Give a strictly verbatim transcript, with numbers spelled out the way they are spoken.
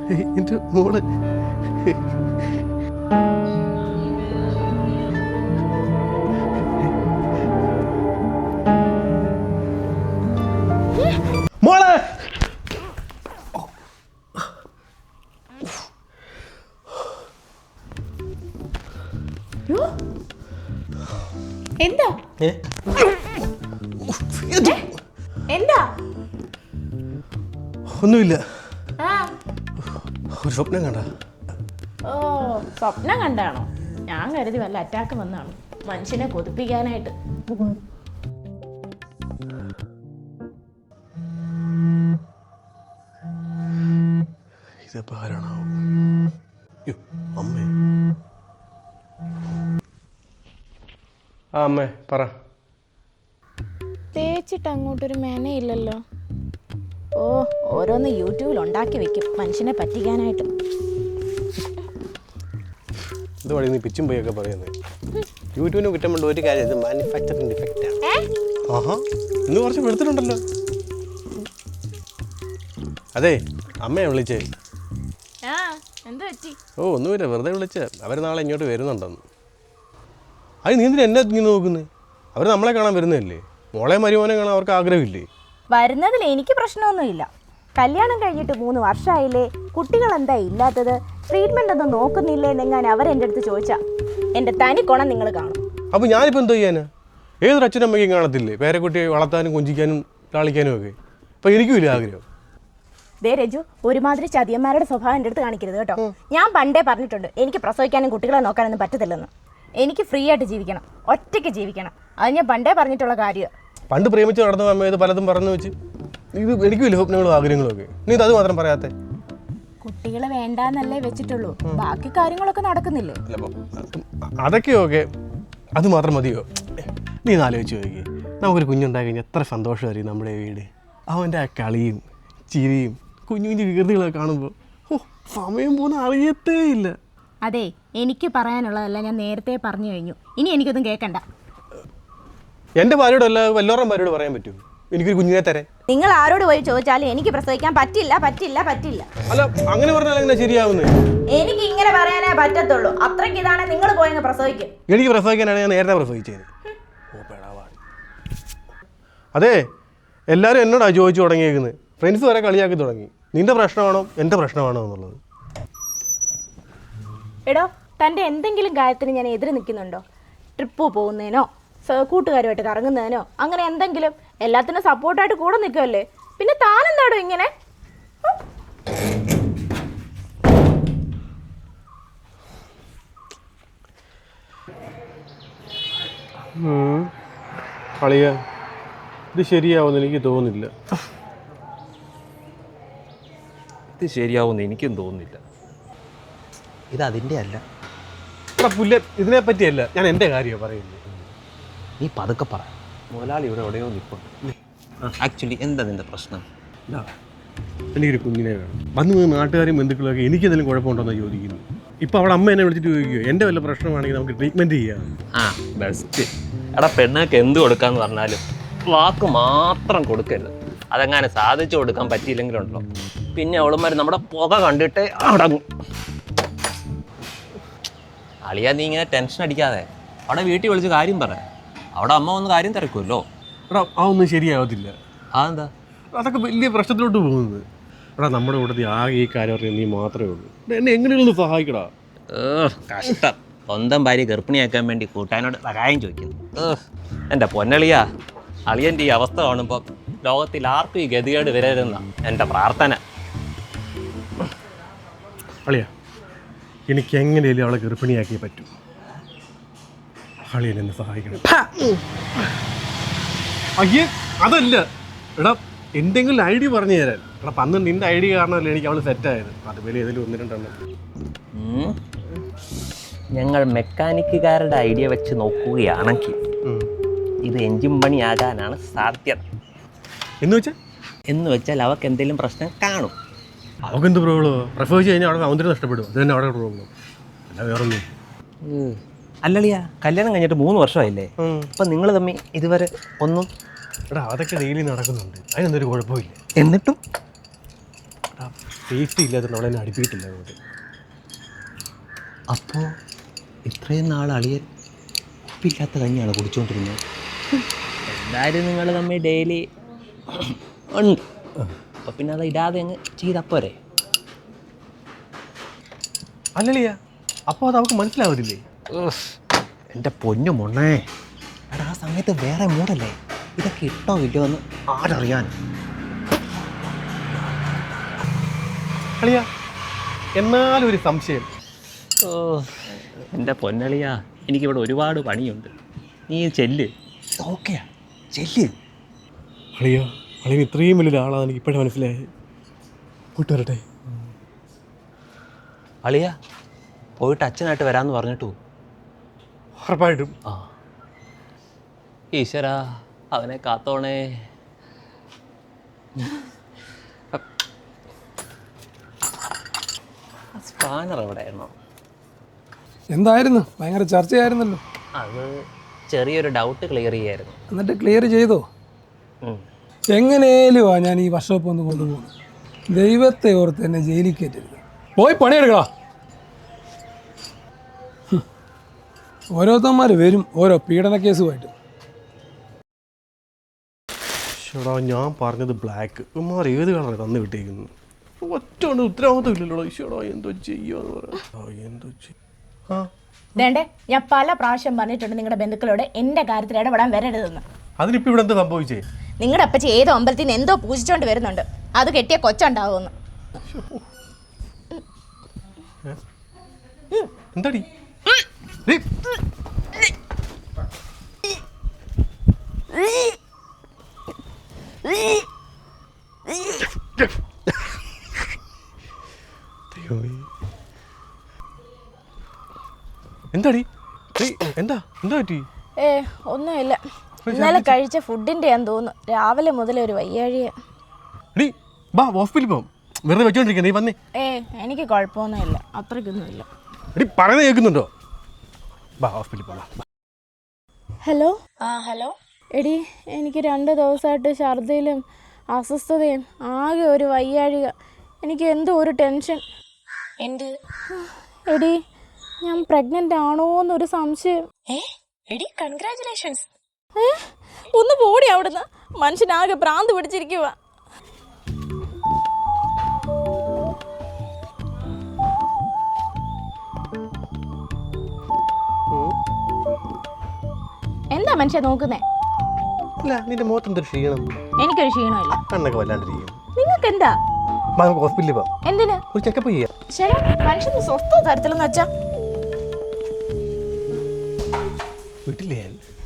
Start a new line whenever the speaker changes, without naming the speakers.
എൻ്റെ മോള് മോളെ
എന്താ എന്താ
ഒന്നുമില്ല,
ആ
ഒരു സ്വപ്നം കണ്ട.
ഓ സ്വപ്നം കണ്ടാണോ? ഞാൻ കരുതി വല്ല അറ്റാക്ക് വന്നാണ് മനുഷ്യനെ കൊതിപ്പിക്കാനായിട്ട്.
ഇതെപ്പോ ആരാണോ? അമ്മേ. ആ അമ്മേ പറ.
തേച്ചിട്ട് അങ്ങോട്ടൊരു മെനയില്ലല്ലോ. ഓ ഓരോന്ന് യൂട്യൂബിൽ ഉണ്ടാക്കി വെക്കും മനുഷ്യനെ പറ്റിക്കാനായിട്ട്.
ഇത് വഴി നീ പിച്ചും പോയൊക്കെ പറയുന്നത്. യൂട്യൂബിന് കുറ്റം കൊണ്ട് ഒരു കാര്യം, ഇത് മാനുഫാക്ചറിങ് ഡിഫക്റ്റാണ്. ആഹാ ഇന്ന് കുറച്ച് വെളുത്തിട്ടുണ്ടല്ലോ. അതെ അമ്മയെ വിളിച്ചേ.
ആ എന്താ പറ്റി?
ഓ ഒന്നുമില്ല, വെറുതെ വിളിച്ച. അവർ നാളെ ഇങ്ങോട്ട് വരുന്നുണ്ടെന്ന്. അത് നീ എന്തിനാ എന്നെ ഇങ്ങനെ നോക്കുന്നത്? അവർ നമ്മളെ കാണാൻ വരുന്നതല്ലേ. മോളെ മരുമോനെ കാണാൻ അവർക്ക് ആഗ്രഹമില്ലേ?
വരുന്നതിൽ എനിക്ക് പ്രശ്നമൊന്നുമില്ല. കല്യാണം കഴിഞ്ഞിട്ട് മൂന്ന് വർഷമായില്ലേ, കുട്ടികൾ എന്താ ഇല്ലാത്തത്, ട്രീറ്റ്മെൻ്റ് ഒന്നും നോക്കുന്നില്ലേ എന്നെങ്ങാൻ അവരെൻ്റെ അടുത്ത് ചോദിച്ചാൽ എൻ്റെ തനി കുണം നിങ്ങൾ കാണും.
അപ്പോൾ ഞാനിപ്പോൾ എന്തോ ചെയ്യാനാ? ഏതൊരു അച്ഛനമ്മയ്ക്കും കാണത്തില്ലേ പേരക്കുട്ടിയെ വളർത്താനും കൊഞ്ചിക്കാനും ലാളിക്കാനും ഒക്കെ. അപ്പോൾ എനിക്കുമില്ല ആഗ്രഹം.
ദേ രജു, ഒരുമാതിരി ചതിയന്മാരുടെ സ്വഭാവം എൻ്റെ അടുത്ത് കാണിക്കരുത് കേട്ടോ. ഞാൻ പണ്ടേ പറഞ്ഞിട്ടുണ്ട് എനിക്ക് പ്രസവിക്കാനും കുട്ടികളെ നോക്കാനൊന്നും പറ്റത്തില്ലെന്ന്. എനിക്ക് ഫ്രീ ആയിട്ട് ജീവിക്കണം, ഒറ്റയ്ക്ക് ജീവിക്കണം. അത് ഞാൻ പണ്ടേ പറഞ്ഞിട്ടുള്ള കാര്യം.
പണ്ട് പ്രേമിച്ച് നടന്ന അമ്മ ഇത് പലതും പറഞ്ഞു വെച്ച് ഇത് എനിക്കുമില്ല സ്വപ്നങ്ങളും ആഗ്രഹങ്ങളും ഒക്കെ. നീ ഇത് അത് മാത്രം പറയാത്തെ?
കുട്ടികളെ വേണ്ടാന്നല്ലേ വെച്ചിട്ടുള്ളൂ, ബാക്കി കാര്യങ്ങളൊക്കെ നടക്കുന്നില്ലേ?
അതൊക്കെ ഓക്കെ, അത് മാത്രം മതിയോ? നീ ആലോചിച്ച് നോക്കി, നമുക്കൊരു കുഞ്ഞുണ്ടായി കഴിഞ്ഞാൽ എത്ര സന്തോഷമായിരിക്കും നമ്മുടെ വീട്. അവൻ്റെ ആ കളിയും ചിരിയും കുഞ്ഞു കുഞ്ഞു വികൃതികളൊക്കെ കാണുമ്പോൾ ഓ സമയം പോകുന്ന അറിയത്തേ ഇല്ല.
അതെ, എനിക്ക് പറയാനുള്ളതല്ല ഞാൻ നേരത്തെ പറഞ്ഞു കഴിഞ്ഞു. ഇനി എനിക്കൊന്നും കേൾക്കണ്ട.
എൻ്റെ ഭാര്യയോടല്ല വല്ലോറും ഭാര്യയോട് പറയാൻ പറ്റുമോ എനിക്കൊരു കുഞ്ഞിനെ തരാൻ?
നിങ്ങൾ ആരോട് പോയി ചോദിച്ചാലും എനിക്ക് പ്രസവിക്കാൻ പറ്റില്ല പറ്റില്ല പറ്റില്ല.
അല്ല അങ്ങനെ പറഞ്ഞാൽ എങ്ങനെ ശരിയാവുന്നത്?
എനിക്ക് ഇങ്ങനെ പറയാനേ പറ്റത്തുള്ളൂ. അത്രയ്ക്ക് ഇതാണ് നിങ്ങൾ പോയങ്ങ് പ്രസവിക്കും.
എനിക്ക് പ്രസവിക്കാനാണ് ഞാൻ നേരത്തെ പ്രസവിച്ചത്. അതെ എല്ലാവരും എന്നോടാണ് ചോദിച്ചു തുടങ്ങിയേക്കുന്നത്. ഫ്രണ്ട്സ് വരെ കളിയാക്കി തുടങ്ങി. നിന്റെ പ്രശ്നമാണോ എൻ്റെ പ്രശ്നമാണോ എന്നുള്ളത്.
എടോ, തൻ്റെ എന്തെങ്കിലും കാര്യത്തിന് ഞാൻ എതിര് നിൽക്കുന്നുണ്ടോ? ട്രിപ്പ് പോകുന്നതിനോ കൂട്ടുകാരുമായിട്ട് കറങ്ങുന്നതിനോ അങ്ങനെ എന്തെങ്കിലും? എല്ലാത്തിനും സപ്പോർട്ടായിട്ട് കൂടെ നിൽക്കുമല്ലേ. പിന്നെ താനെന്താടോ ഇങ്ങനെ?
കളിയ ഇത് ശരിയാവുമെന്ന് എനിക്ക് തോന്നുന്നില്ല.
ഇത് ശരിയാവുമെന്ന് എനിക്കും തോന്നുന്നില്ല.
ഇത് അതിൻ്റെ അല്ല.
പുല്ല ഇതിനെ പറ്റിയല്ല, ഞാൻ എൻ്റെ കാര്യമാണ് പറയുന്നത്.
നീ പതുക്കെ പറ.
മുതലാളി ഇവിടെ എവിടെയോ നിൽപ്പുണ്ട്. ആക്ച്വലി എന്താ നിന്റെ പ്രശ്നം?
എനിക്കൊരു കുഞ്ഞിനെ വേണം. വന്ന് വന്ന് നാട്ടുകാരും ബന്ധുക്കളൊക്കെ എനിക്കെന്തെങ്കിലും കുഴപ്പമുണ്ടോയെന്ന് ചോദിക്കുന്നു. ഇപ്പോൾ അവിടെ അമ്മ എന്നെ വിളിച്ചിട്ട് ചോദിക്കുമോ എൻ്റെ വല്ല പ്രശ്നമാണെങ്കിൽ നമുക്ക് ട്രീറ്റ്മെൻറ്റ് ചെയ്യാം.
ആ ബെസ്റ്റ്. എടാ പെണ്ണൊക്കെ എന്ത് കൊടുക്കാന്ന് പറഞ്ഞാലും വാക്ക് മാത്രം കൊടുക്കരുത്. അതെങ്ങനെ സാധിച്ചു കൊടുക്കാൻ പറ്റിയില്ലെങ്കിലുണ്ടല്ലോ പിന്നെ അവളുമാർ നമ്മുടെ പുക കണ്ടിട്ട് അടങ്ങും. അളിയാ നീ ഇങ്ങനെ ടെൻഷൻ അടിക്കാതെ അവിടെ വീട്ടിൽ വിളിച്ച് കാര്യം പറ. അവിടെ അമ്മ വന്ന് കാര്യം തിരക്കുമല്ലോ.
എടാ ആ ഒന്നും ശരിയാവത്തില്ല.
അതെന്താ?
അതൊക്കെ വലിയ പ്രശ്നത്തിലോട്ട് പോകുന്നത്. എടാ നമ്മുടെ കൂട്ടത്തിൽ ആകെ ഈ കാര്യം അറിയാൻ നീ മാത്രമേ ഉള്ളൂ. എന്നെ എങ്ങനെയൊന്ന് സഹായിക്കടാ.
ഏഹ് കഷ്ടം. സ്വന്തം ഭാര്യ ഗർഭിണിയാക്കാൻ വേണ്ടി കൂട്ടാനോട് സഹായം ചോദിക്കുന്നു. ഏഹ് എൻ്റെ പൊന്നളിയാ, അളിയൻ്റെ ഈ അവസ്ഥ കാണുമ്പോൾ ലോകത്തിൽ ആർക്കും ഈ ഗതികേട് വരരുന്ന എൻ്റെ പ്രാർത്ഥന.
അളിയ എനിക്ക് എങ്ങനെയല്ലേ അവളെ ഗർഭിണിയാക്കിയേ പറ്റൂ. അളിയൻ എന്നെ സഹായിക്കണം. അയ്യേ അതല്ല എടാ, എന്തെങ്കിലും ഐ ഡി പറഞ്ഞു തരാൻ. എടാ പന്ന് നിന്റെ ഐ ഡി കാരണമല്ലേ എനിക്ക് അവൾ സെറ്റായത്. അതുപോലെ ഏതെങ്കിലും ഒന്ന് രണ്ടെണ്ണം.
ഞങ്ങൾ മെക്കാനിക്കുകാരുടെ ഐഡിയ വെച്ച് നോക്കുകയാണെങ്കിൽ ഇത് എഞ്ചിൻ പണിയാകാനാണ് സാധ്യത.
എന്ന് വെച്ചാൽ
എന്ന് വെച്ചാൽ അവർക്ക് എന്തെങ്കിലും പ്രശ്നം കാണും.
അവൾക്ക് എന്ത് പ്രോബ്ലമോ? പ്രസവിച്ച് കഴിഞ്ഞാൽ അവിടെ സൗന്ദര്യം നഷ്ടപ്പെടും. അത് തന്നെ അവിടെ പ്രോബ്ലം, അല്ല വേറൊന്നും.
അല്ലളിയാ, കല്യാണം കഴിഞ്ഞിട്ട് മൂന്ന് വർഷമായില്ലേ? അപ്പം നിങ്ങൾ തമ്മിൽ ഇതുവരെ ഒന്നും?
എടാ അതൊക്കെ ഡെയിലി നടക്കുന്നുണ്ട്, അതിനെന്തൊരു കുഴപ്പമില്ല.
എന്നിട്ടും
സേഫ്റ്റി ഇല്ലാത്തതുകൊണ്ട് അവളെ എന്നെ അടുപ്പിയിട്ടില്ല അങ്ങോട്ട്.
അപ്പോൾ ഇത്രയും നാൾ അളിയൻ ഉപ്പില്ലാത്ത കഞ്ഞിയാണ് കുടിച്ചുകൊണ്ടിരുന്നത്.
എന്തായാലും നിങ്ങൾ തമ്മിൽ ഡെയിലി ഉണ്ട്, അപ്പം പിന്നെ അത് ഇടാതെ അങ്ങ് ചെയ്തപ്പോരെ.
അല്ലളിയാ, അപ്പോൾ അത് അവൾക്ക് മനസ്സിലാവത്തില്ലേ?
എൻ്റെ പൊന്നു മൊണ്ണേ, എടാ ആ സമയത്ത് വേറെ മൂടല്ലേ, ഇതൊക്കെ ഇട്ടോ ഇല്ലയോ എന്ന് ആരറിയാൻ.
അളിയാ, എന്നാലും ഒരു സംശയം.
ഓ എൻ്റെ പൊന്നളിയാ, എനിക്കിവിടെ ഒരുപാട് പണിയുണ്ട്, നീ ചെല്ല്.
ഓക്കെയാ, ചെല്ല്.
അളിയാ, അളിയൻ ഇത്രയും വലിയൊരാളാണ് എനിക്ക് ഇപ്പോഴേ മനസ്സിലായത്. പോയിട്ട് വരട്ടെ.
അളിയ പോയിട്ട് അച്ഛനായിട്ട് വരാമെന്ന് പറഞ്ഞിട്ടു.
ഉറപ്പായിട്ടും.
ആ
ഈശ്വരാ, അവനെ കാത്തോണേ. സ്പാനർ എവിടെയാണോ?
എന്തായിരുന്നു? ഭയങ്കര ചർച്ചയായിരുന്നല്ലോ.
അത് ചെറിയൊരു ഡൗട്ട് ക്ലിയർ ചെയ്യായിരുന്നു.
എന്നിട്ട് ക്ലിയർ ചെയ്തോ?
ഉം.
എങ്ങനെയും ആ ഞാൻ ഈ വർക്ക്ഷോപ്പ് ഒന്ന് കൊണ്ടുപോകുന്നു. ദൈവത്തെ ഓർത്ത് എന്നെ ജയിലിൽ കയറ്റരുത്. പോയി പണിയെടുക്കടാ. ഹും. ഓരോരുത്തന്മാർ വരും ഓരോ പീഡന കേസുമായിട്ട്.
ഷടാ, ഞാൻ പറഞ്ഞത് ബ്ലാക്ക്. ഉമ്മാർ ഏത് കളറാണ് തന്നു വിട്ടേക്കുന്നത്? ഒറ്റ കൊണ്ട് ഉത്തരവാദിത്വം ഇല്ലല്ലോ. ഈശോടാ, എന്തോ ചെയ്യുമെന്ന് പറയാം. എന്തോ ചെയ്യും? ആ
വേണ്ടേ, ഞാൻ പല പ്രാവശ്യം പറഞ്ഞിട്ടുണ്ട് നിങ്ങളുടെ ബന്ധുക്കളോട് എൻ്റെ കാര്യത്തിൽ ഇടപെടാൻ വരരുതെന്ന്.
അതിനിപ്പോൾ ഇവിടെ എന്താ സംഭവിച്ചേ?
നിങ്ങളുടെ അപ്പച്ചി ഏതോ അമ്പലത്തിൽ നിന്ന് എന്തോ പൂജിച്ചോണ്ട് വരുന്നുണ്ട്. അത് കെട്ടിയ കൊച്ചുണ്ടാവുമെന്ന്.
എന്താടി? എന്താടി? എന്താ എന്താ പറ്റി?
ഏ ഒന്നുമില്ല, ഇന്നലെ കഴിച്ച ഫുഡിൻ്റെ ഞാൻ തോന്നുന്നു. രാവിലെ മുതലേ ഒരു വയ്യാഴിയ.
എടി ബാ, ഹോസ്പിറ്റലിൽ പോകാം. വെറുതെ വെച്ചോണ്ടിരിക്കുക. നീ വന്നേ.
ഏ എനിക്ക് കുഴപ്പമൊന്നുമില്ല, അത്രയ്ക്കൊന്നുമില്ല.
എടി പറയുന്നത് കേൾക്കുന്നുണ്ടോ? ബാ, ഹോസ്പിറ്റലിൽ പോകാം.
ഹലോ. ആ ഹലോ. എടി, എനിക്ക് രണ്ട് ദിവസമായിട്ട് ഛർദിയിലും അസ്വസ്ഥതയും ആകെ ഒരു വയ്യാഴിക. എനിക്ക് എന്തോ ഒരു ടെൻഷൻ.
എന്ത്?
എടി, ഞാൻ പ്രഗ്നൻ്റ് ആണോ എന്നൊരു സംശയം.
ഏ എടി, കൺഗ്രാറ്റുലേഷൻസ്.
ഏ ഒന്ന് പോടി അവിടുന്ന്. മനുഷ്യനാകെ ഭ്രാന്ത് പിടിച്ചിരിക്കുക.
എന്താ മനുഷ്യ നോക്കുന്നേ?
അല്ല, നിന്റെ മുഖത്ത് എന്തൊരു ക്ഷീണം?
എനിക്കൊരു ക്ഷീണമില്ല.
കണ്ണൊക്കെ വല്ലാണ്ടിരിക്കും.
നിങ്ങൾക്ക് എന്താ?
ബാ, നമുക്ക് ഹോസ്പിറ്റലിൽ പോകാം.
എന്തിന്?
ഒരു ചെക്കപ്പ് ചെയ്യാം.
ശരി, മനുഷ്യന് സ്വസ്ഥ തരത്തിലെന്ന് വെച്ചാ
വീട്ടിലേ